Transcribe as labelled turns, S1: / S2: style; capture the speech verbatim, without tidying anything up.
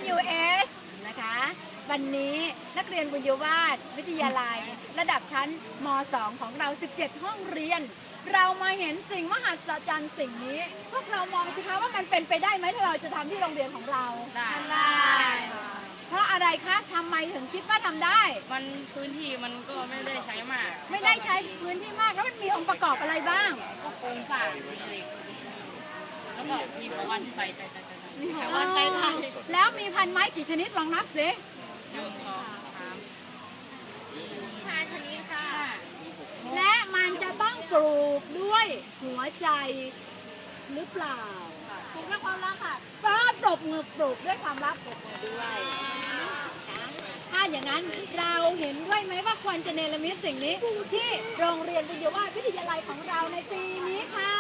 S1: ยู เอส นะคะ วันนี้นักเรียนบุญยวาสวิทยาลัย ระดับชั้นม สอง ของเรา สิบเจ็ด ห้องเรียน เรามาเห็นสิ่งมหัศจรรย์สิ่งนี้ พวกเรามองสิคะว่ามันเป็นไปได้ไหมถ้าเราจะทำที่โรงเรียนของเรา
S2: ได้
S1: เพราะอะไรคะทำไมถึงคิดว่าทำได้
S2: มันพื้นที่มันก็ไม่ได้ใช้มาก
S1: ไม่ได้ใช้พื้นที่มากแล้วมันมีองค์ประกอบอะไรบ้าง
S2: ก็โครงสร้างมีเหล็กแล้วก็มีประวันไฟไฟไฟไฟ
S1: มีแถววันไปไทยแล้วมีพันไม้กี่ชนิดลองนับสิ
S2: หนึ่งสองสามห้าชนิดค่ะ
S1: และมันจะต้องปลูกด้วยหัวใจหรือเปล่าปลูกด้วยความรักค่ะก็ปลูกมือปลูกด้วยความรักปลูกมือด้วยถ้าอย่างนั้นเราเห็นด้วยไหมว่าควรจะเนรมิตสิ่งนี้ที่โรงเรียนบุญยวาสวิทยาลัยของเราในปีนี้ค่ะ